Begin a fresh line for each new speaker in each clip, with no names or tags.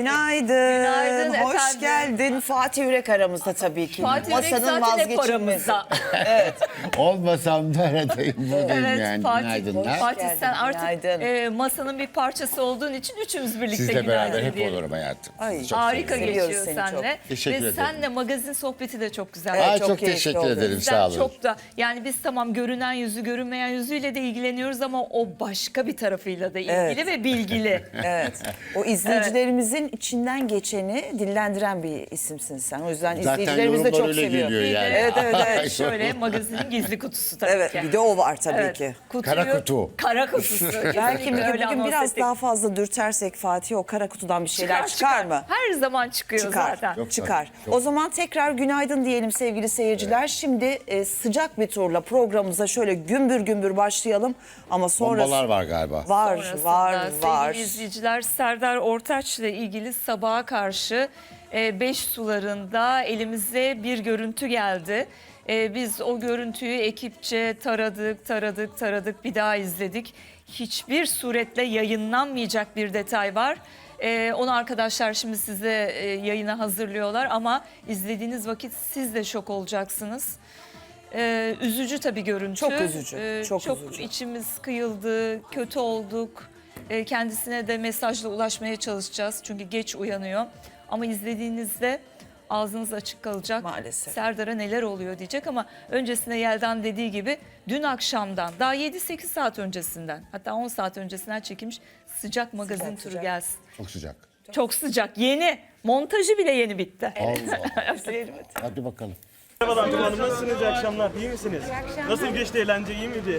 Günaydın.
Günaydın
Hoş
efendim.
geldin. Fatih Yürek aramızda tabii ki.
Fatih Yürek
Masanın
zaten hep
vazgeçilmezi.
aramızda.
Olmasam da aradayım buradayım
Evet
yani.
Fatih,
Günaydınlar.
Fatih
geldin,
sen artık
günaydın.
masanın bir parçası olduğun için üçümüz birlikte
Sizle beraber
günaydın
hep
diyelim.
olurum hayatım.
Ay,
Çok
Harika
seviyorum.
Seviyoruz
geçiyor
seni
seninle.
Teşekkür
Ve
ederim.
senle magazin sohbeti de çok güzel.
Evet,
Aa,
çok
çok
keyifli
teşekkür
oldu.
ederim,
Bizden
sağ olun.
çok da yani biz tamam görünen yüzü görünmeyen yüzüyle de ilgileniyoruz ama o başka bir tarafıyla da ilgili
Evet.
ve bilgili.
Evet. O izleyicilerimizin içinden geçeni dillendiren bir isimsin sen. O yüzden
Zaten
izleyicilerimiz de
yorumlar
çok
öyle
seviyor.
geliyor yani.
Evet, evet, evet.
Şöyle magazinin gizli kutusu tabii
Evet,
ki.
bir de o var tabii
Evet,
ki.
Kara kutu.
Kara kutusu.
Belki
Kesinlikle öyle
bugün
anons
biraz
ettik.
daha fazla dürtersek Fatih o kara kutudan bir şeyler çıkar mı?
Her zaman çıkıyor
Çıkar.
zaten.
Yok.
Çıkar.
Çok.
O zaman tekrar günaydın diyelim sevgili seyirciler. Şimdi sıcak bir turla programımıza şöyle gümbür gümbür başlayalım. Ama sonrası
Bombalar var galiba.
var,
Sonrasında
var.
sevgili izleyiciler Serdar Ortaç'la ilgili sabaha karşı 5 sularında elimize bir görüntü geldi. Biz o görüntüyü ekipçe taradık bir daha izledik. Hiçbir suretle yayınlanmayacak bir detay var. Onu arkadaşlar şimdi size yayına hazırlıyorlar ama izlediğiniz vakit siz de şok olacaksınız. Üzücü tabii görüntü.
Çok üzücü, çok üzücü.
İçimiz kıyıldı, kötü olduk. Kendisine de mesajla ulaşmaya çalışacağız çünkü geç uyanıyor. Ama izlediğinizde ağzınız açık kalacak.
Maalesef.
Serdar'a neler oluyor diyecek ama öncesinde Yeldan dediği gibi dün akşamdan daha 7-8 saat öncesinden hatta 10 saat öncesinden çekilmiş sıcak magazin turu
sıcak.
gelsin.
Çok sıcak.
Çok sıcak, yeni. Montajı bile yeni bitti.
Allah Allah. Hadi bakalım.
Merhabalar Tuğba Hanım, nasılsınız? İyi akşamlar, iyi misiniz? Nasıl geçti eğlence, iyi miydi?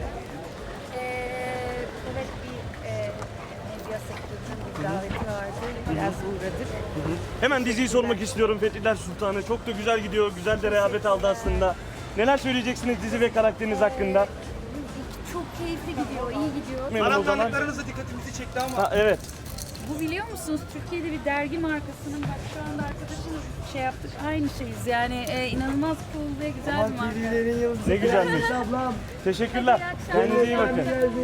Evet medya sektörünün bir daveti vardı. Biraz uğradık.
Hemen diziyi sormak istiyorum. Fethiler Sultanı çok da güzel gidiyor, güzel de rehavet aldı aslında. Neler söyleyeceksiniz dizi ve karakteriniz hakkında?
Çok keyifli gidiyor, iyi gidiyor.
Memnun o zaman.
Aramdanlıklarınız da dikkatimizi çekti ama
Ha, evet.
Bu biliyor musunuz Türkiye'de bir dergi markasının bak şu anda arkadaşımla şey yaptık aynı şeyiz. Yani inanılmaz cool ve güzel bir marka.
Ne güzelmiş. Teşekkürler. Kendinize iyi bakın.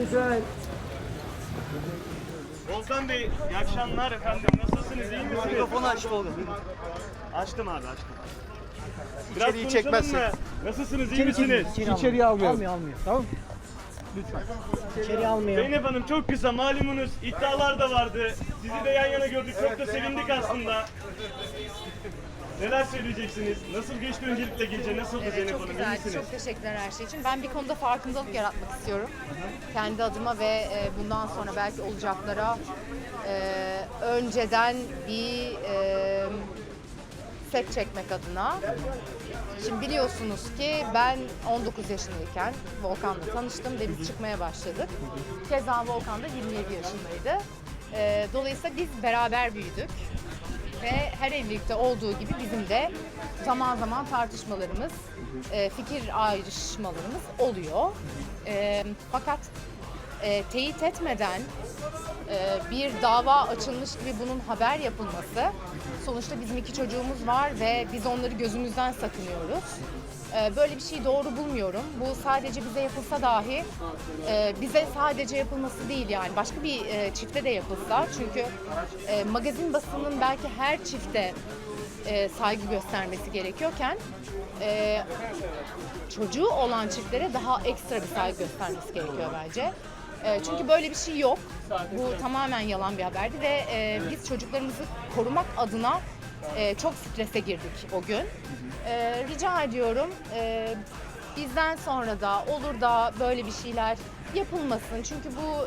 Volkan Bey, iyi akşamlar efendim. Nasılsınız, iyi misiniz?
mikrofonu aç Tolga.
Açtım abi, açtım.
İçeriği
konuşalım
çekmezsek.
mı? Nasılsınız, iyi misiniz?
İçeriye almıyor. Almıyor. Tamam. Lütfen. İçeriye almıyor.
Zeynep Hanım çok kısa, malumunuz iddialar da vardı. Sizi de yan yana gördük, çok da sevindik aslında. Neler söyleyeceksiniz? Nasıl geçti öncelikle gece? Nasıldı Zeynep
Çok
Hanım? İyi
güzel,
misiniz?
çok teşekkürler her şey için. Ben bir konuda farkındalık yaratmak istiyorum. Kendi adıma ve bundan sonra belki olacaklara önceden bir set çekmek adına. Şimdi biliyorsunuz ki ben 19 yaşındayken Volkan'la tanıştım ve biz çıkmaya başladık. Keza Volkan da 27 yaşındaydı. Dolayısıyla biz beraber büyüdük. Ve her evlilikte olduğu gibi bizim de zaman zaman tartışmalarımız, fikir ayrışmalarımız oluyor. Fakat teyit etmeden bir dava açılmış gibi bunun haber yapılması, sonuçta bizim 2 çocuğumuz var ve biz onları gözümüzden sakınıyoruz. Böyle bir şey doğru bulmuyorum. Bu sadece bize yapılsa dahi bize sadece yapılması değil yani başka bir çifte de yapılsa çünkü magazin basının belki her çifte saygı göstermesi gerekiyorken çocuğu olan çiftlere daha ekstra bir saygı göstermesi gerekiyor bence. Çünkü böyle bir şey yok. Bu tamamen yalan bir haberdi ve biz çocuklarımızı korumak adına çok strese girdik o gün. Rica ediyorum bizden sonra da olur da böyle bir şeyler yapılmasın. Çünkü bu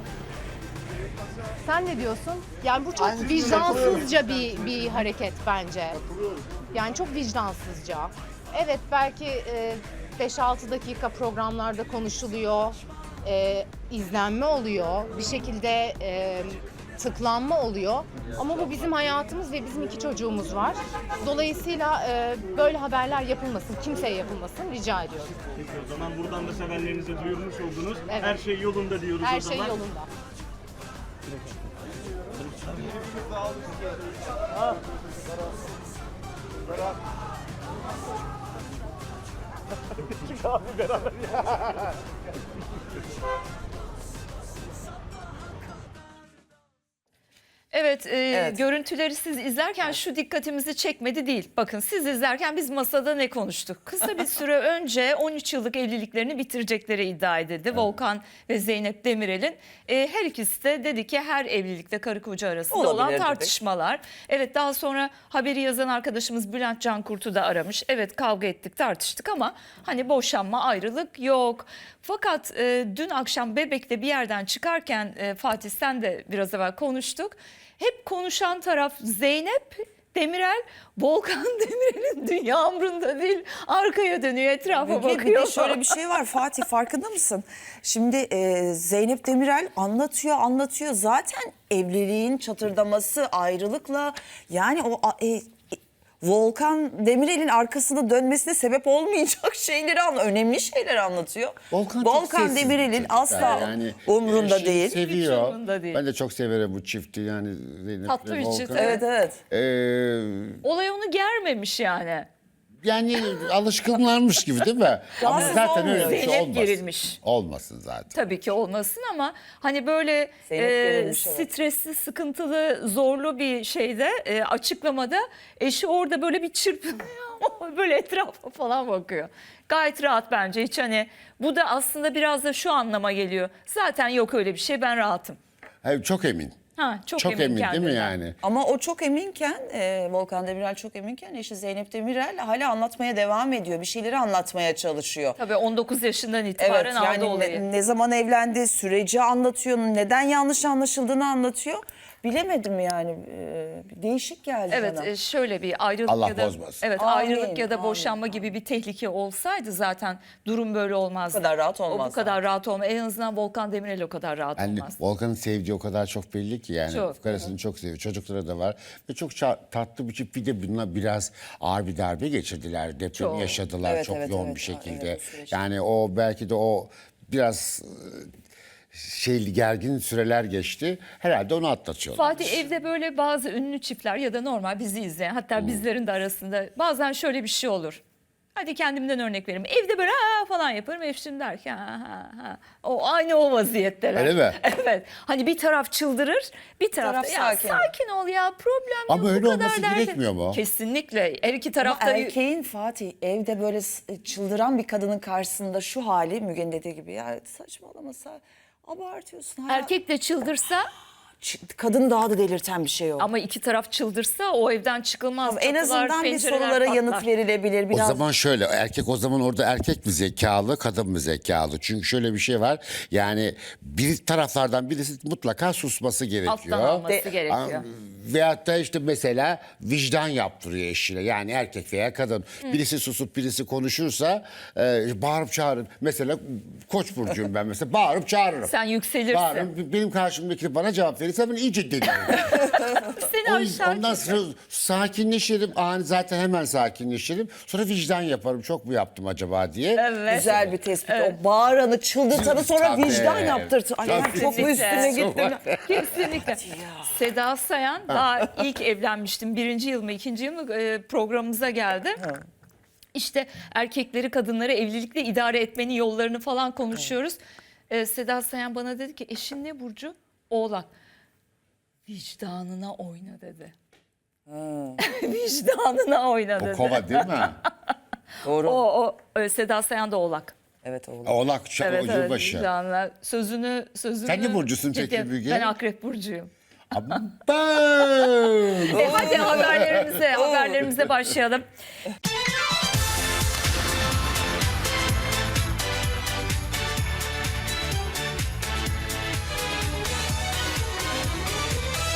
sen ne diyorsun? Yani bu çok vicdansızca bir hareket bence. Yani çok vicdansızca. Evet belki 5-6 dakika programlarda konuşuluyor, izlenme oluyor, bir şekilde tıklanma oluyor. Ama bu bizim hayatımız ve bizim 2 çocuğumuz var. Dolayısıyla böyle haberler yapılmasın, kimseye yapılmasın rica ediyorum.
Peki o zaman buradan da sevenlerinize duyurmuş oldunuz.
Evet.
Her şey yolunda diyoruz
Her
o zaman.
şey yolunda.
Evet,
Evet.
görüntüleri siz izlerken şu dikkatimizi çekmedi değil. Bakın siz izlerken biz masada ne konuştuk? Kısa bir süre önce 13 yıllık evliliklerini bitirecekleri iddia edildi. Volkan ve Zeynep Demirel'in. Her ikisi de dedi ki her evlilikte karı koca arasında
Olabilir
olan
dedik.
tartışmalar. Evet, daha sonra haberi yazan arkadaşımız Bülent Cankurt'u da aramış. Evet, kavga ettik, tartıştık ama hani boşanma, ayrılık yok. Fakat dün akşam Bebek'te bir yerden çıkarken Fatih sen de biraz evvel konuştuk. Hep konuşan taraf Zeynep Demirel, Volkan Demirel'in dünya umrunda değil, arkaya dönüyor, etrafa
Müge, bir
bakıyor.
de şöyle bir şey var Fatih, farkında mısın? Şimdi Zeynep Demirel anlatıyor. Zaten evliliğin çatırdaması, ayrılıkla yani o Volkan Demirel'in arkasında dönmesine sebep olmayacak şeyleri önemli şeyler anlatıyor.
Volkan çok sessiz bir
Demirel'in
çocuk
asla
yani.
umrunda
Şey
değil.
Seviyor.
Hiç umrunda değil.
Ben de çok severim bu çifti yani Zeynep
Tatlı
ve
bir
Volkan.
çift,
Evet.
Olay onu germemiş yani.
Yani alışkınlarmış gibi değil mi? Ama
Rahatsız
zaten öyle bir
Zeynep
şey olmasın.
gerilmiş.
Olmasın zaten.
Tabii ki olmasın ama hani böyle
Zeynep gerilmiş, evet.
stresli, sıkıntılı, zorlu bir şeyde açıklamada eşi orada böyle bir çırpınıyor. Böyle etrafa falan bakıyor. Gayet rahat bence, hiç hani bu da aslında biraz da şu anlama geliyor. Zaten yok öyle bir şey, ben rahatım.
Hayır, çok emin.
Çok
Çok emin değil mi
kendinden.
yani?
Ama o çok eminken, Volkan Demirel çok eminken eşi Zeynep Demirel hala anlatmaya devam ediyor. Bir şeyleri anlatmaya çalışıyor.
Tabii 19 yaşından
Evet,
itibaren aldı
yani
olayı.
ne zaman evlendi, süreci anlatıyor, neden yanlış anlaşıldığını anlatıyor. Bilemedim yani, değişik geldi bana.
Evet, şöyle bir ayrılık
Allah
ya da
bozmasın.
evet,
Amin,
ayrılık ya da
amin.
boşanma gibi bir tehlike olsaydı zaten durum böyle olmazdı.
Bu kadar rahat
O
olmazdı.
bu kadar rahat olmaz. En azından Volkan Demirel o kadar rahat
Yani
olmaz.
Volkan'ın sevdiği o kadar çok belli ki yani.
Çok.
Karısını çok seviyor. Çocukları da var. Ve çok tatlı bir çift. Bir de bununla biraz ağır bir darbe geçirdiler. Depremi
Çok.
yaşadılar
Evet,
çok
evet,
yoğun
evet.
bir şekilde.
Evet, o süreç.
Yani o belki de o biraz gergin süreler geçti. Herhalde onu atlatıyorlar.
Fatih, evde böyle bazı ünlü çiftler ya da normal bizi izleyen, hatta bizlerin de arasında bazen şöyle bir şey olur. Hadi kendimden örnek vereyim. Evde böyle ha falan yaparım. Eşim der ki ha. Aynı o vaziyetteler.
Öyle mi?
Evet. Hani bir taraf çıldırır, bir taraf da
taraf
ya
sakin.
sakin ol ya, problem yok.
Ama
bu
öyle
kadar
olması
derdi."
gerekmiyor mu?
Kesinlikle. Her iki
Ama
taraf da
erkeğin Fatih evde böyle çıldıran bir kadının karşısında şu hali, Müge'nin dediği gibi ya saçmalamasa abartıyorsun. Ha.
erkek de çıldırsa
Kadın daha da delirten bir şey o.
ama iki taraf çıldırsa o evden çıkılmaz.
En
Kapılar,
azından bir
pencereler
sorulara
patlar.
yanıt verilebilir. Biraz
O zaman şöyle, erkek o zaman orada erkek mi zekalı, kadın mı zekalı? Çünkü şöyle bir şey var. Yani bir taraflardan birisi mutlaka susması gerekiyor.
Alttan alması gerekiyor.
Veyahut da işte mesela vicdan yaptırıyor eşine. Yani erkek veya kadın. Birisi susup birisi konuşursa bağırıp çağırın. Mesela Koç burcuyum ben mesela. Bağırıp çağırırım.
Sen yükselirsin.
Bağırırım. Benim karşımdaki bana cevap verirse ben iyice deliririm.
Seni aşağı
Ondan sonra sakinleşirim. Zaten hemen sakinleşirim. Sonra vicdan yaparım. Çok mu yaptım acaba diye.
Evet.
güzel bir tespit. O bağıranı, çıldırtanı sonra
Tabii.
vicdan yaptırtı. Ay ben
Tabii.
çok mu üstüne gittim?
Kesinlikle. Seda Sayan daha ilk evlenmiştim. 1. yıl mı 2. yıl mı programımıza geldi. İşte erkekleri, kadınları evlilikle idare etmenin yollarını falan konuşuyoruz. Seda Sayan bana dedi ki eşin ne burcu? Oğlak. Vicdanına oyna dedi. Vicdanına oyna dedi.
O kova değil mi?
Doğru.
Seda Sayan da Oğlak.
Evet oğlum.
Oğlak,
Evet,
yılbaşı.
vicdanına. Sözünü.
Sen ne burcusun peki
ciddi-
Müge?
Ben Akrep burcuyum.
Aman.
Hadi haberlerimize başlayalım.